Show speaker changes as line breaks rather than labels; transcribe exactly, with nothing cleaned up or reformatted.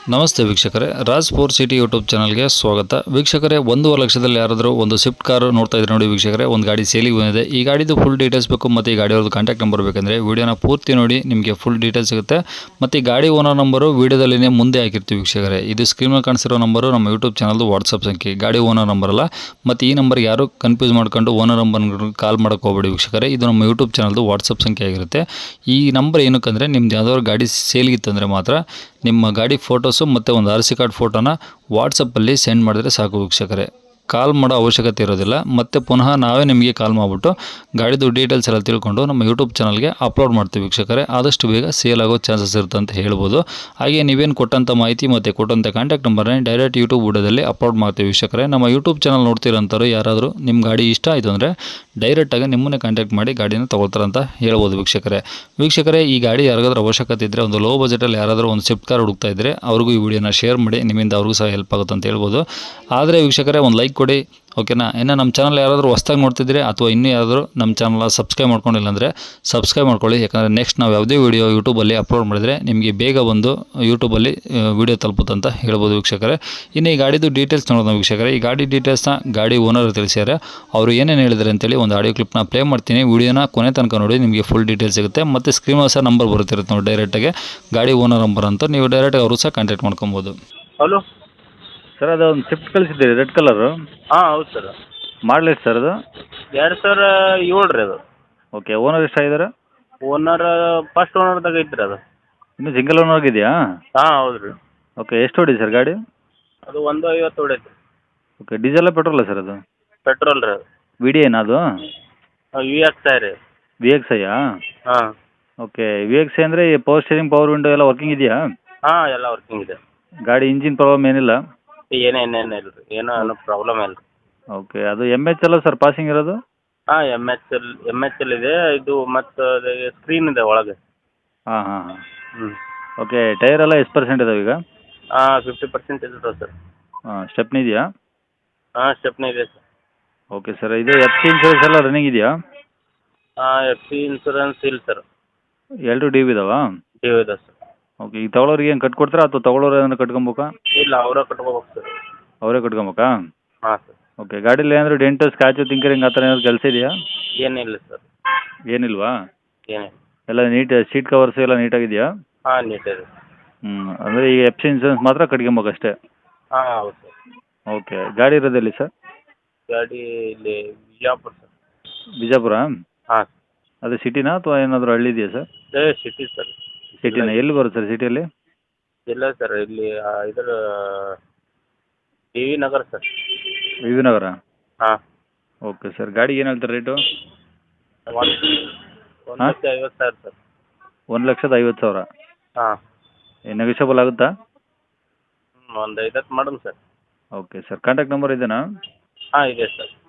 ನಮಸ್ತೆ ವೀಕ್ಷಕರೇ, Raj four city YouTube ಚಾನಲ್ಗೆ ಸ್ವಾಗತ. ವೀಕ್ಷಕರೇ, ಒಂದೂವರೆ ಲಕ್ಷದಲ್ಲಿ ಯಾರಾದರೂ ಒಂದು ಸ್ವಿಫ್ಟ್ ಕಾರ್ ನೋಡ್ತಾ ಇದ್ರೆ ನೋಡಿ ವೀಕ್ಷಕರೇ, ಒಂದು ಗಾಡಿ ಸೇಲಿಗೆ ಬಂದಿದೆ. ಈ ಗಾಡಿದು ಫುಲ್ ಡೀಟೇಲ್ಸ್ ಬೇಕು ಮತ್ತು ಈ ಗಾಡಿಯವ್ರದ್ದು ಕಾಂಟ್ಯಾಕ್ಟ್ ನಂಬರ್ ಬೇಕಂದರೆ ವೀಡಿಯೋನ ಪೂರ್ತಿ ನೋಡಿ, ನಿಮಗೆ ಫುಲ್ ಡೀಟೇಲ್ಸ್ ಸಿಗುತ್ತೆ. ಮತ್ತು ಈ ಗಾಡಿ ಓನರ್ ನಂಬರು ವೀಡಿಯೋದಲ್ಲಿನೇ ಮುಂದೆ ಹಾಕಿರ್ತೀವಿ ವೀಕ್ಷಕರೇ. ಇದು ಸ್ಕ್ರೀನಲ್ಲಿ ಕಾಣಿಸಿರೋ ನಂಬರು ನಮ್ಮ ಯೂಟ್ಯೂಬ್ ಚಾನಲ್ದು ವಾಟ್ಸಪ್ ಸಂಖ್ಯೆ, ಗಾಡಿ ಓನರ್ ನಂಬರ್ ಅಲ್ಲ. ಮತ್ತು ಈ ನಂಬರ್ಗೆ ಯಾರು ಕನ್ಫ್ಯೂಸ್ ಮಾಡ್ಕೊಂಡು ಓನರ್ ನಂಬರ್ ಕಾಲ್ ಮಾಡೋಕೆ ಹೋಗಬೇಡಿ ವೀಕ್ಷಕರೇ. ಇದು ನಮ್ಮ ಯೂಟ್ಯೂಬ್ ಚಾನಲ್ದು ವಾಟ್ಸಪ್ ಸಂಖ್ಯೆ ಆಗಿರುತ್ತೆ. ಈ ನಂಬರ್ ಏನಕ್ಕಂದರೆ ನಿಮ್ದು ಯಾವುದಾದ್ರು ಗಾಡಿ ಸೇಲ್ಗಿತ್ತಂದರೆ ಮಾತ್ರ ನಿಮ್ಮ ಗಾಡಿ ಫೋಟೋಸು ಮತ್ತು ಒಂದು ಆರ್ ಸಿ ಕಾರ್ಡ್ ಫೋಟೋನ ವಾಟ್ಸಪ್ಪಲ್ಲಿ ಸೆಂಡ್ ಮಾಡಿದ್ರೆ ಸಾಕು ವೀಕ್ಷಕರೇ. ಕಾಲ್ ಮಾಡೋ ಅವಶ್ಯಕತೆ ಇರೋದಿಲ್ಲ. ಮತ್ತು ಪುನಃ ನಾವೇ ನಿಮಗೆ ಕಾಲ್ ಮಾಡಿಬಿಟ್ಟು ಗಾಡಿದು ಡೀಟೇಲ್ಸ್ ಎಲ್ಲ ತಿಳ್ಕೊಂಡು ನಮ್ಮ ಯೂಟ್ಯೂಬ್ ಚಾನಲ್ಗೆ ಅಪ್ಲೋಡ್ ಮಾಡ್ತೀವಿ ವೀಕ್ಷಕರೇ. ಆದಷ್ಟು ಬೇಗ ಸೇಲ್ ಆಗೋ ಚಾನ್ಸಸ್ ಇರುತ್ತೆ ಅಂತ ಹೇಳ್ಬೋದು. ಹಾಗೆ ನೀವೇನು ಕೊಟ್ಟಂಥ ಮಾಹಿತಿ ಮತ್ತು ಕೊಟ್ಟಂಥ ಕಾಂಟ್ಯಾಕ್ಟ್ ನಂಬರ್ನ ಡೈರೆಕ್ಟ್ ಯೂಟ್ಯೂಬ್ ವಿಡಿಯೋದಲ್ಲಿ ಅಪ್ಲೋಡ್ ಮಾಡ್ತೀವಿ ವೀಕ್ಷಕರೇ. ನಮ್ಮ ಯೂಟ್ಯೂಬ್ ಚಾನಲ್ ನೋಡ್ತಿರೋಂಥವ್ರು ಯಾರಾದರೂ ನಿಮ್ಮ ಗಾಡಿ ಇಷ್ಟ ಆಯಿತು ಅಂದರೆ ಡೈರೆಕ್ಟಾಗಿ ನಿಮ್ಮನ್ನೇ ಕಾಂಟ್ಯಾಕ್ಟ್ ಮಾಡಿ ಗಾಡಿನ ತೊಗೊಳ್ತಾರಂತ ಹೇಳ್ಬೋದು ವೀಕ್ಷಕರೇ. ವೀಕ್ಷಕರೇ, ಈ ಗಾಡಿ ಯಾರಿಗಾದ್ರೂ ಅವಶ್ಯಕತೆ ಇದ್ದರೆ, ಒಂದು ಲೋ ಬಜೆಟಲ್ಲಿ ಯಾರಾದರೂ ಒಂದು ಸ್ವಿಫ್ಟ್ ಕಾರ್ ಹುಡುಕ್ತಾ ಇದ್ದರೆ ಅವ್ರಿಗೂ ಈ ವಿಡಿಯೋನ ಶೇರ್ ಮಾಡಿ, ನಿಮ್ಮಿಂದ ಅವ್ರಿಗೂ ಸಹ ಹೆಲ್ಪ್ ಆಗುತ್ತೆ ಅಂತ ಹೇಳ್ಬೋದು. ಆದರೆ ವೀಕ್ಷಕರೇ, ಒಂದು ಲೈಕ್ ಕೊಡಿ, ಓಕೆನಾ? ಇನ್ನು ನಮ್ಮ ಚಾನಲ್ ಯಾರಾದರೂ ಹೊಸ್ದಾಗಿ ನೋಡ್ತಿದ್ರೆ ಅಥವಾ ಇನ್ನೂ ಯಾರಾದರೂ ನಮ್ಮ ಚಾನಲ್ನ ಸಬ್ಸ್ಕ್ರೈಬ್ ಮಾಡ್ಕೊಂಡಿಲ್ಲ ಅಂದರೆ ಸಬ್ಸ್ಕ್ರೈಬ್ ಮಾಡ್ಕೊಳ್ಳಿ. ಯಾಕಂದರೆ ನೆಕ್ಸ್ಟ್ ನಾವು ಯಾವುದೇ ವೀಡಿಯೋ ಯೂಟ್ಯೂಬಲ್ಲಿ ಅಪ್ಲೋಡ್ ಮಾಡಿದರೆ ನಿಮಗೆ ಬೇಗ ಬಂದು ಯೂಟ್ಯೂಬಲ್ಲಿ ವೀಡಿಯೋ ತಲುಪುತ್ತಂತ ಹೇಳ್ಬೋದು ವೀಕ್ಷಕರೇ. ಇನ್ನು ಈ ಗಾಡಿದು ಡೀಟೇಲ್ಸ್ ನೋಡೋಣ ವೀಕ್ಷಕರೇ. ಈ ಗಾಡಿ ಡೀಟೇಲ್ಸ್ನ ಗಾಡಿ ಓನರ್ ತಿಳಿಸಿದ್ದಾರೆ. ಅವರು ಏನೇನು ಹೇಳಿದ್ದಾರೆ ಅಂತೇಳಿ ಒಂದು ಆಡಿಯೋ ಕ್ಲಿಪ್ನ ಪ್ಲೇ ಮಾಡ್ತೀನಿ. ವೀಡಿಯೋನ ಕೊನೆ ತನಕ ನೋಡಿ, ನಿಮಗೆ ಫುಲ್ ಡೀಟೇಲ್ಸ್ ಸಿಗುತ್ತೆ. ಮತ್ತು ಸ್ಕ್ರೀನ್ ಸಹ ನಂಬರ್ ಬರುತ್ತಿರುತ್ತೆ ನೋಡಿ, ಡೈರೆಕ್ಟಾಗಿ ಗಾಡಿ ಓನರ್ ನಂಬರ್ ಅಂತ ನೀವು ಡೈರೆಕ್ಟಾಗಿ ಅವರು ಸಹ ಕಾಂಟ್ಯಾಕ್ಟ್ ಮಾಡ್ಕೊಬೋದು.
ಹಲೋ
ಸರ್, ಅದು ಒಂದು ಸ್ವಿಫ್ಟ್ ಕಳಿಸಿದ್ದೀರಿ ರೆಡ್ ಕಲರು.
ಹಾಂ ಹೌದು ಸರ್.
ಮಾಡಲ್ ಎಷ್ಟು ಸರ್ ಅದು?
ಎರಡು ಸಾವಿರ ಏಳು ರೀ ಅದು.
ಓಕೆ. ಓನರ್ ಎಷ್ಟಾಗಿದ್ದಾರೆ?
ಓನರ್ ಫಸ್ಟ್ ಓನರ್ದಾಗ ಐತ್ರಿ ಅದು.
ಇನ್ನೂ ಸಿಂಗಲ್ ಓನರ್ ಆಗಿದೆಯಾ?
ಹಾಂ ಹೌದು ರೀ.
ಓಕೆ. ಎಷ್ಟು ಹೊಡಿ ಸರ್ ಗಾಡಿ?
ಅದು ಒಂದು ಐವತ್ತು ಹೊಡೈತಿ.
ಓಕೆ. ಡೀಸೆಲ್ಲ ಪೆಟ್ರೋಲ ಸರ್ ಅದು?
ಪೆಟ್ರೋಲ್ ರೀ ಅದು.
ವಿ ಡಿ ಏನಾ ಅದು?
ವಿ ಎಕ್ಸ್ ಐ ರೀ.
ವಿ ಎಕ್ಸ್ ಐಯಾ?
ಹಾಂ.
ಓಕೆ. ವಿ ಎಕ್ಸ್ ಐ ಅಂದರೆ ಪವರ್ ಸ್ಟೇರಿಂಗ್, ಪವರ್ ವಿಂಡೋ ಎಲ್ಲ ವರ್ಕಿಂಗ್ ಇದೆಯಾ?
ಹಾಂ ಎಲ್ಲ ವರ್ಕಿಂಗ್ ಇದೆ.
ಗಾಡಿ ಇಂಜಿನ್ ಪ್ರಾಬ್ಲಮ್ ಏನಿಲ್ಲ?
ಏನೇನೇನು ಇಲ್ಲ ರೀ, ಏನೋ ಏನೋ ಪ್ರಾಬ್ಲಮ್ ಇಲ್ಲ ರೀ.
ಓಕೆ. ಅದು ಎಮ್ ಎಚ್ ಎಲ್ಲ ಸರ್ ಪಾಸಿಂಗ್ ಇರೋದು?
ಹಾಂ M H L M H L ಇದೆ. ಇದು ಮತ್ತು ಸ್ಕ್ರೀನ್ ಇದೆ ಒಳಗೆ.
ಹಾಂ ಹಾಂ ಹಾಂ.
ಹ್ಞೂ.
ಓಕೆ. ಟೈರ್ ಎಲ್ಲ ಎಷ್ಟು ಪರ್ಸೆಂಟ್ ಇದಾವೆ ಈಗ?
ಹಾಂ ಫಿಫ್ಟಿ ಪರ್ಸೆಂಟ್ ಇರ್ತದೆ ಸರ್.
ಹಾಂ. ಸ್ಟೆಪ್ನಿ ಇದೆಯಾ?
ಹಾಂ ಸ್ಟೆಪ್ನಿ ಇದೆ ಸರ್.
Okay sir. ಇದು ಎಫ್ ಸಿ ಇನ್ಸೂರೆನ್ಸ್ ಎಲ್ಲ ರನ್ನಿಂಗ್ ಇದೆಯಾ?
ಹಾಂ ಎಫ್ ಸಿ ಇನ್ಸೂರೆನ್ಸ್ ಇಲ್ಲ ಸರ್.
ಎರಡು ಡಿ ವಿ ಇದಾವಾ?
ಡ್ಯೂ ಇದೆ ಸರ್.
ಓಕೆ. ಈಗ ತಗೊಳ್ಳೋರಿಗೆ ಏನು ಕಟ್ಕೊಡ್ತೀರಾ ಅಥವಾ ತಗೊಳ್ಳೋರು ಏನಾದ್ರು ಕಟ್ಕೊಬೇಕಾ?
ಇಲ್ಲ ಅವರೇ ಕಟ್ಕೋಬೇಕು ಸರ್.
ಅವರೇ ಕಟ್ಕೊಬೇಕಾ?
ಹಾಂ ಸರ್.
ಓಕೆ. ಗಾಡೀಲಿ ಏನಾದರೂ ಡೆಂಟು, ಸ್ಕ್ರಾಚು, ತಿಂಕರಿಂಗ್ ಆ ಥರ ಏನಾದ್ರು ಕೆಲಸ ಇದೆಯಾ?
ಏನಿಲ್ಲ ಸರ್.
ಏನಿಲ್ವಾ?
ಏನಿಲ್ಲ.
ಎಲ್ಲ ನೀಟ್ ಸೀಟ್ ಕವರ್ಸು ಎಲ್ಲ ನೀಟಾಗಿದೆಯಾ?
ಹಾಂ ನೀಟ್ ಇದೆ.
ಹ್ಞೂ. ಅಂದರೆ ಈಗ ಎಫ್ ಸಿ ಇನ್ಸೂರೆನ್ಸ್ ಮಾತ್ರ ಕಟ್ಕೊಬೇಕಷ್ಟೇ?
ಹಾಂ ಹೌದು ಸರ್.
ಓಕೆ. ಗಾಡಿ ಇರೋದೆಲ್ಲಿ ಸರ್?
ಗಾಡಿ ಇಲ್ಲಿ ಬಿಜಾಪುರ ಸರ್.
ಬಿಜಾಪುರ?
ಹಾಂ
ಅದು ಸಿಟಿನಾ ಅಥವಾ ಏನಾದರೂ ಹಳ್ಳಿ ಇದೆಯಾ ಸರ್?
ಸರ್. City sir.
ಸಿಟಿನಾ? ಎಲ್ಲಿ ಬರುತ್ತೆ ಸರ್ ಸಿಟಿಯಲ್ಲಿ?
ಇಲ್ಲ ಸರ್, ಇಲ್ಲಿ ಆ, ಇದರ T V Nagar sir.
V V Nagar?
ಹಾಂ.
Okay sir. ಗಾಡಿಗೆ ಏನು ಹೇಳ್ತಾರೆ ರೇಟು?
ಒಂದು ಒಂದು
ಹಾಂ?
ಲಕ್ಷ ಐವತ್ತು ಸಾವಿರ ಸರ್.
ಒಂದು ಲಕ್ಷದ ಐವತ್ತು ಸಾವಿರ?
ಹಾಂ.
ನೆಗೋಷಿಯಬಲ್ ಆಗುತ್ತಾ?
ಹ್ಞೂ ಒಂದು ಐವತ್ತು ಮಾಡೋಣ sir.
Okay sir. Contact number ಇದೆಯಾ?
ಹಾಂ ಇದೆ ಸರ್.